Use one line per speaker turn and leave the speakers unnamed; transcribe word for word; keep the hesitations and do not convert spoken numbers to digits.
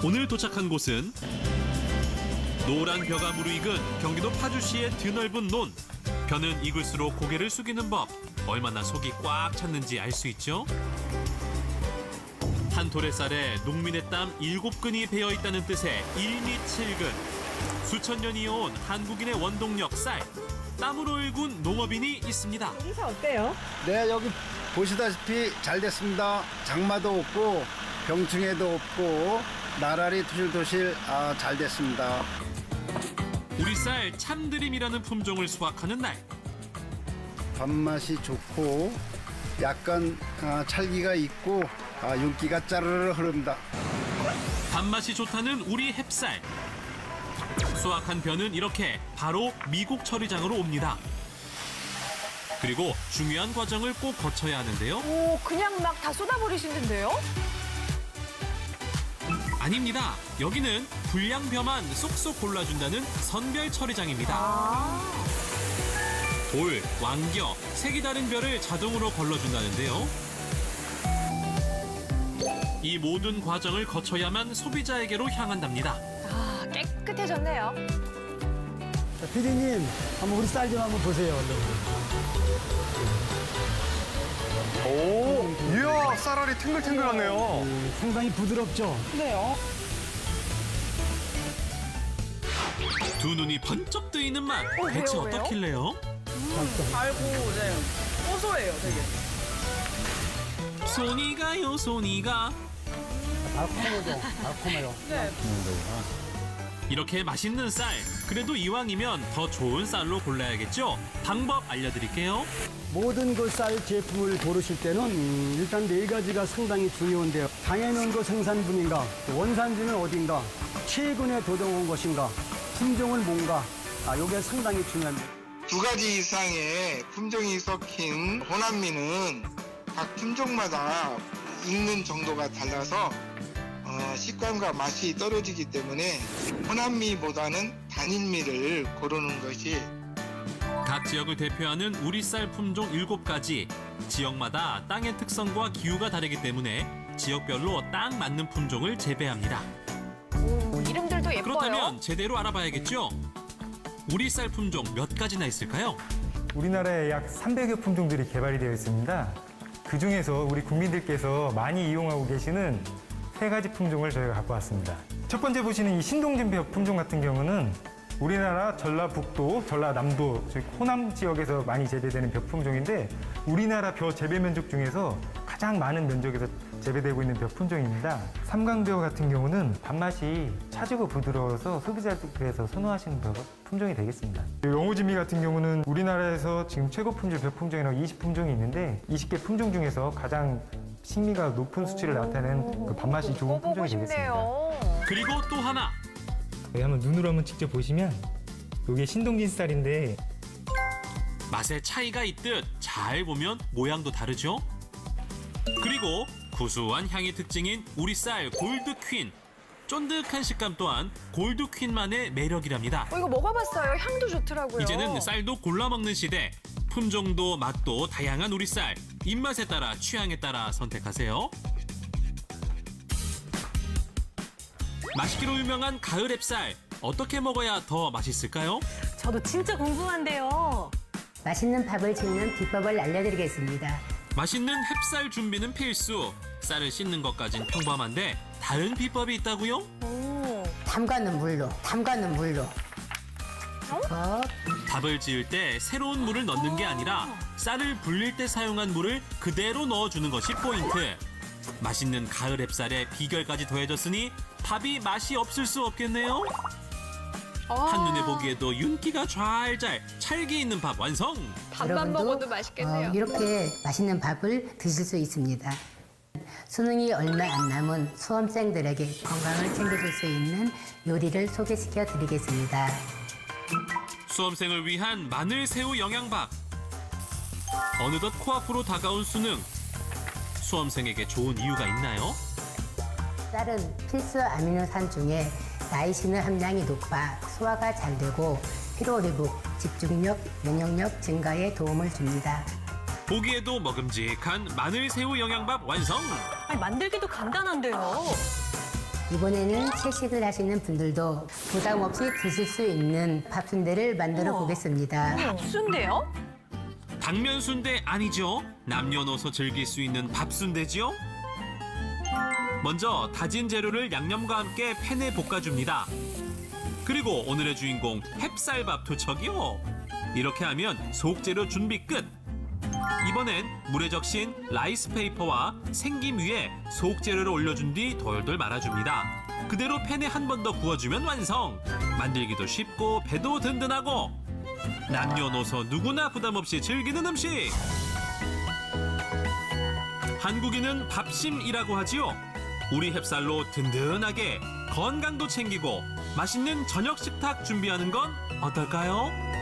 오늘 도착한 곳은 노란 벼가 무르익은 경기도 파주시의 드넓은 논. 벼는 익을수록 고개를 숙이는 법. 얼마나 속이 꽉 찼는지 알 수 있죠? 한 토레쌀에 농민의 땀 일곱 근이 배어 있다는 뜻의 일미칠근. 수천 년 이어온 한국인의 원동력 쌀. 땀으로 일군 농업인이 있습니다.
인사 어때요?
네, 여기 보시다시피 잘 됐습니다. 장마도 없고 병충해도 없고 나라리 투실투실 아, 잘 됐습니다.
우리 쌀 참드림이라는 품종을 수확하는 날.
밥맛이 좋고 약간 아, 찰기가 있고 아, 윤기가 짜르르 흐릅니다.
밥맛이 좋다는 우리 햅쌀. 수확한 벼는 이렇게 바로 미국 처리장으로 옵니다. 그리고 중요한 과정을 꼭 거쳐야 하는데요.
오, 그냥 막 다 쏟아버리시는데요?
아닙니다. 여기는 불량벼만 쏙쏙 골라준다는 선별 처리장입니다.
아,
돌, 왕겨, 색이 다른 벼를 자동으로 걸러준다는데요. 이 모든 과정을 거쳐야만 소비자에게로 향한답니다.
아 깨끗해졌네요.
자, 피디님, 한번 우리 쌀 좀 한번 보세요. 얼른.
오, 이야, 쌀알이 탱글탱글하네요.
음, 상당히 부드럽죠?
네요.
두 눈이 번쩍 뜨이는 맛.
어,
대체
왜요, 왜요?
어떻길래요?
달고 네 고소해요 되게.
손이 가요, 손이 가.
달콤하죠? 달콤해요.
네.
이렇게 맛있는 쌀. 그래도 이왕이면 더 좋은 쌀로 골라야겠죠? 방법 알려드릴게요.
모든 그 쌀 제품을 고르실 때는 음, 일단 네 가지가 상당히 중요한데요. 당해놓은 그 생산분인가, 원산지는 어딘가, 최근에 도정한 것인가, 품종은 뭔가, 아, 요게 상당히 중요합니다.
두 가지 이상의 품종이 섞인 호남미는 각 품종마다 익는 정도가 달라서 어, 식감과 맛이 떨어지기 때문에 호남미보다는 단일미를 고르는 것이
각 지역을 대표하는 우리 쌀 품종 일곱 가지. 지역마다 땅의 특성과 기후가 다르기 때문에 지역별로 딱 맞는 품종을 재배합니다.
오, 이름들도 예뻐요.
그렇다면 제대로 알아봐야겠죠? 우리 쌀 품종 몇 가지나 있을까요?
우리나라에 약 삼백여 품종들이 개발이 되어 있습니다. 그중에서 우리 국민들께서 많이 이용하고 계시는 세 가지 품종을 저희가 갖고 왔습니다. 첫 번째 보시는 이 신동진벼 품종 같은 경우는 우리나라 전라북도, 전라남도, 즉 호남 지역에서 많이 재배되는 벼 품종인데 우리나라 벼 재배 면적 중에서 가장 많은 면적에서 재배되고 있는 벼 품종입니다. 삼강벼 같은 경우는 밥맛이 차지고 부드러워서 소비자들께서 선호하시는 벼 품종이 되겠습니다. 영호지미 같은 경우는 우리나라에서 지금 최고 품질 벼 품종이라고 이십 품종이 있는데 이십 개 품종 중에서 가장 식미가 높은 수치를 나타내는 그 밥맛이 좋은
먹어보고
품종이 되겠습니다.
싶네요.
그리고 또 하나.
여기 한번 눈으로 한번 직접 보시면 이게 신동진 쌀인데
맛의 차이가 있듯 잘 보면 모양도 다르죠? 그리고 구수한 향이 특징인 우리 쌀 골드퀸. 쫀득한 식감 또한 골드퀸만의 매력이랍니다.
어, 이거 먹어봤어요. 향도 좋더라고요.
이제는 쌀도 골라 먹는 시대. 품종도 맛도 다양한 우리 쌀. 입맛에 따라 취향에 따라 선택하세요. 맛있기로 유명한 가을 햅쌀. 어떻게 먹어야 더 맛있을까요?
저도 진짜 궁금한데요.
맛있는 밥을 짓는 비법을 알려드리겠습니다.
맛있는 햅쌀 준비는 필수. 쌀을 씻는 것까진 평범한데 다른 비법이 있다고요?
오,
담가는 물로, 담가는 물로. 어?
밥을 지을 때 새로운 물을 넣는 게 아니라 쌀을 불릴 때 사용한 물을 그대로 넣어주는 것이 포인트. 맛있는 가을 햅쌀에 비결까지 더해졌으니 밥이 맛이 없을 수 없겠네요.
아,
한눈에 보기에도 윤기가 좔좔 찰기 있는 밥 완성.
밥만
여러분도,
먹어도 맛있겠네요.
어, 이렇게 맛있는 밥을 드실 수 있습니다. 수능이 얼마 안 남은 수험생들에게 건강을 챙겨줄 수 있는 요리를 소개시켜 드리겠습니다.
수험생을 위한 마늘 새우 영양밥. 어느덧 코앞으로 다가온 수능. 수험생에게 좋은 이유가 있나요?
쌀은 필수 아미노산 중에 나이신 함량이 높아 소화가 잘 되고 피로회복, 집중력, 면역력 증가에 도움을 줍니다.
보기에도 먹음직한 마늘 새우 영양밥 완성.
아니, 만들기도 간단한데요.
이번에는 채식을 하시는 분들도 부담 없이 드실 수 있는 밥순대를 만들어 보겠습니다.
순대요?
당면 순대 아니죠? 남녀노소 즐길 수 있는 밥순대지요? 먼저 다진 재료를 양념과 함께 팬에 볶아줍니다. 그리고 오늘의 주인공 햅쌀밥 투척이요. 이렇게 하면 속재료 준비 끝. 이번엔 물에 적신 라이스페이퍼와 생김 위에 속재료를 올려준 뒤 돌돌 말아줍니다. 그대로 팬에 한 번 더 구워주면 완성. 만들기도 쉽고 배도 든든하고 남녀노소 누구나 부담 없이 즐기는 음식. 한국인은 밥심이라고 하지요. 우리 햅쌀로 든든하게 건강도 챙기고 맛있는 저녁 식탁 준비하는 건 어떨까요?